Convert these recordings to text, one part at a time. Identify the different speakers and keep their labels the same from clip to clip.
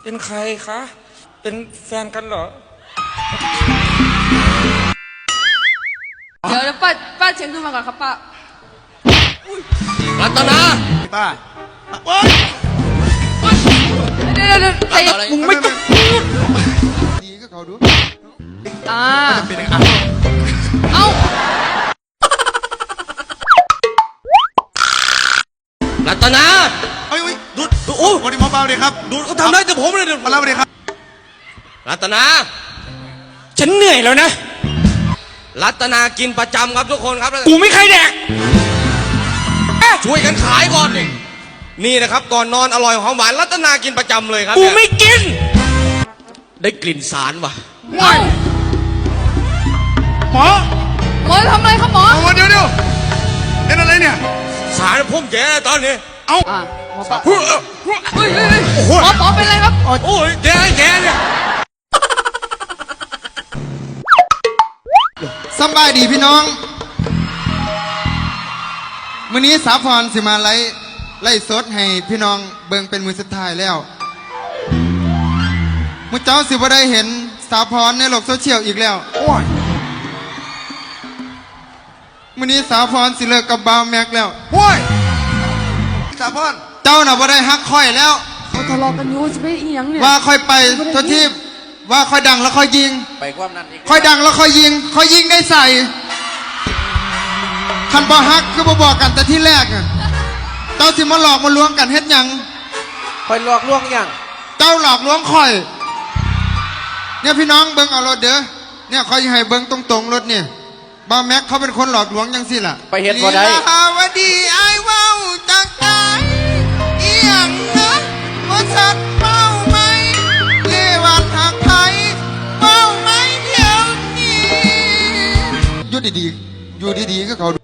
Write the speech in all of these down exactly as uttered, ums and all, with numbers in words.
Speaker 1: เป็นใครคะเป็นแฟนกันเหรอ
Speaker 2: เดี๋ยวป้าป้าเช็คขึ้นมาก่อนครับป้า
Speaker 3: รัตนา
Speaker 4: ป้าโอ๊ย
Speaker 2: เดี๋ยวเดี๋ยวใจมึงไม่ต้องพูด
Speaker 4: ดีก็เขาดู
Speaker 2: อ่า
Speaker 4: เป็นยังไง
Speaker 2: เอ้า
Speaker 3: รัตนา
Speaker 4: เอ้ย
Speaker 3: ดูดโอ้
Speaker 4: วันนี้หมอเบาเลยครับ
Speaker 3: ดูดเขาทำได้แต่ผมเลยเดี๋ยว
Speaker 4: มาเล่าเลยครับ
Speaker 3: รัตนา
Speaker 1: ฉันเหนื่อยแล้วนะ
Speaker 3: รัตนากินประจำครับทุกคนครับ
Speaker 1: กูไม่เคยแดก
Speaker 3: ช่วยกันขายก่อนดินี่นะครับก่อนนอนอร่อยหอมหวานรัตนากินประจำเลยครับ
Speaker 1: กูไม่กิน
Speaker 3: ได้กลิ่นสารว่ะ
Speaker 2: ว้าว
Speaker 4: หมอ
Speaker 2: หมอทำอะไรครับหมอ
Speaker 4: หมอเดี๋ยวเดี๋ยวเป็นอะไรเนี่ย
Speaker 3: สารพุ่มแย่ตอนนี้
Speaker 4: เอ้า
Speaker 2: หมอปะเฮ้ยเฮ้ยหมอปอเป็นอะไรครับ
Speaker 3: โอ้ยแย่แย่เนี่ย
Speaker 4: สบายดีพี่น้องมื้อนี้สาพรสิมาไล่ไล่สดให้พี่น้องเบิ่งเป็นมือสุดท้ายแล้วมุเจ้าสิบ่ได้เห็นสาพรในโลกโซเชียลอีกแล้วมื้อนี้สาพรสิเลิกกับบาวแม็กแล้วโว้ยสาพรเจ้าน่ะบ่ได้ฮักค่อยแล้ว
Speaker 2: เขาทะเลาะกันอยู่จะไปอีหยังเนี่ย
Speaker 4: ว่าค่อยไปทุกที่ว่าค่อยดังแล้วค่อยยิง
Speaker 3: ไปความนั้นอีก
Speaker 4: ค่อยดังแล้วค่อยยิงค่อยยิงได้ใส่คันบ่ฮักคือบ่บอกกันแต่ที่แรกอ่ะเจ้าสิมาหลอกมาลวงกันเฮ็ดหยัง
Speaker 3: ค่อยหลอกลวงยัง
Speaker 4: เจ้าหลอกลวงค่อยเนี่ยพี่น้องเบิ่งเอารถเด้อเนี่ยค่อยให้เบิ่งตรงๆรถเนี่ยบ่าวแม็กเขาเป็นคนหลอกลวงจังซี่ล่ะ
Speaker 3: ไปเฮ็ดบ่ได้
Speaker 4: ลีลาวดีอ้ายเว้าจังใจอีหยังนะบ่ชัดเว้าไหมเลวัดหักไผเว้าไหมเดี๋ยวนี้อยู่ดีๆอยู่ดีๆก็เขา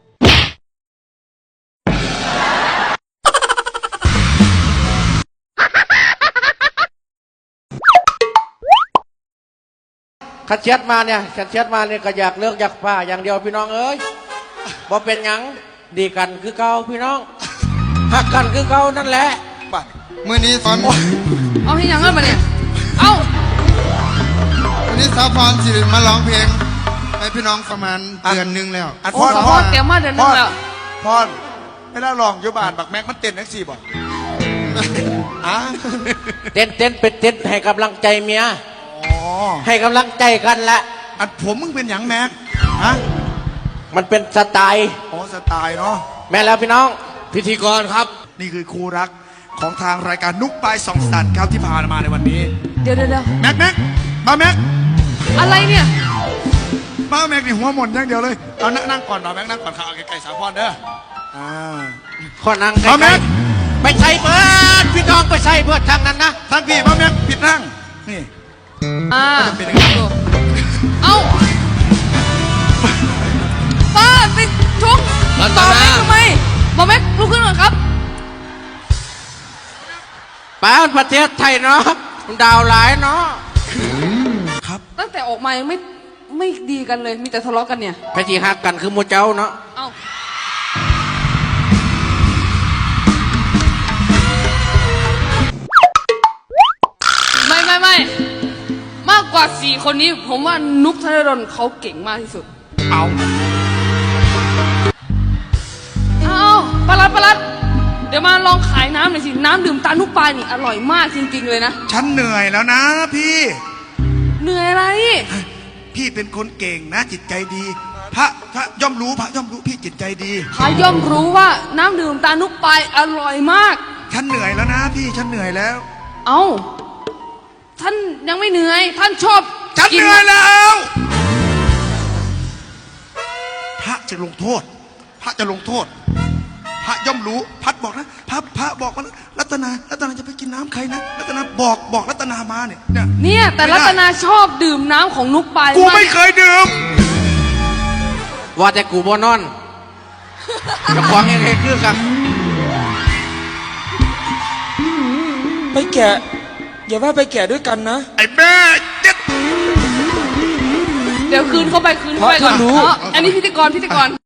Speaker 5: ขัดเช็ดมาเนี่ยขัดเช็ดมาเนี่ยก็อยากเลิกอยากผ้าอย่างเดียวพี่น้องเอ้ยบ่เป็นหยังดีกันคือเก่าพี่น้องหักกันคือเก่านั่นแหละ
Speaker 4: เมื่อนี้สอน
Speaker 2: เอาให้ยังเงินมาเนี่ยเอา
Speaker 4: วันนี้สาวพรสิมาร้องเพลงให้พี่น้องประมาณเดือนนึงแล้ว
Speaker 2: โอ้พอเตรียมมาเดือนนึงแล้ว
Speaker 4: พรไม่ได้ลองยุบานบักแม็กมันเต้นนักสี่บ่อ่ะ
Speaker 5: เต้นเต้นเป็นเต้นให้กำลังใจเมียให้กำลังใจกันละ
Speaker 4: อันผมมึงเป็นหยังแม็กฮะ
Speaker 5: มันเป็นสไตล์
Speaker 4: อ๋อสไตล์เนาะ
Speaker 5: แม่แล้วพี่น้อง
Speaker 3: พิธีกรครับ
Speaker 4: นี่คือคู่รักของทางรายการนุกปลายสองสันครับที่ผ่านมาในวันนี้
Speaker 2: เดี๋ยวเดี๋ยว
Speaker 4: แม็กแม็กมาแม็ก
Speaker 2: อะไรเนี่ย
Speaker 4: มาแม็กนี่หัวหม่นอย่างเดียวเลยเอานั่งนั่งก่อนมาแม็กนั่งก่อนข้าวไก่สาวพรเด้ออ่า
Speaker 5: ขอนั่งไก่ไปใส่เบิร์ดพี่น้องไปใส่เบิร์ดทางนั้นนะ
Speaker 4: ทางพี่มาแม็กผิดนั่งนี่
Speaker 2: อ่า
Speaker 4: เป็นยังไง
Speaker 2: เอ้าป้าไปชกต่อแม็กทำไมบอกแม็กลุกขึ้นหน่อยครับ
Speaker 5: ป้าประเทศไทยเนาะดาวหลายเนาะ
Speaker 4: ครับ
Speaker 2: ตั้งแต่ออกมายังไม่ไม่ดีกันเลยมีแต่ทะเลาะกันเนี่ย
Speaker 5: พระจีฮักกันคือโมเจ้าเนาะ
Speaker 2: เอ้าไม่ไม่ไม่มากกว่าสี่คนนี้ผมว่านุ๊กธนดลเขาเก่งมากที่สุด
Speaker 4: เอา
Speaker 2: เอาปลัดปลัดเดี๋ยวมาลองขายน้ำหน่อยสิน้ำดื่มตานุ๊กปลานี่อร่อยมากจริงๆเลยนะ
Speaker 4: ฉันเหนื่อยแล้วนะพี่
Speaker 2: เหนื่อยอะไร
Speaker 4: พี่เป็นคนเก่งนะจิตใจดีพระพระย่อมรู้พระย่อมรู้พี่จิตใจดี
Speaker 2: พระย่อมรู้ว่าน้ำดื่มตานุ๊กปลาอร่อยมาก
Speaker 4: ฉันเหนื่อยแล้วนะพี่ฉันเหนื่อยแล้ว
Speaker 2: เอ้าท่านยังไม่เหนื่อยท่านชอบ
Speaker 4: ฉันเหนื่อยแล้วพระจะลงโทษพระจะลงโทษพระย่อมรู้พัดบอกนะพระพระบอกว่ารัตนารัตนาจะไปกินน้ำใครนะรัตนาบอกบอกรัตนามาเนี่ยเนี่ย
Speaker 2: เนี่ยแต่รัตนาชอบดื่มน้ำของนุ๊กปลา
Speaker 4: กูไม่เคยดื่ม
Speaker 5: ว่าแต่กูบ่นอนจะควงยังไงคือกัน
Speaker 1: ไปแกะอย่าว่าไปแกะด้วยกันนะ
Speaker 4: ไอ้แม่เจ็ด
Speaker 2: เดี๋ยวคืนเข้าไปคืนเข้าไปก่อนอันนี้พิธีกรพิธีกร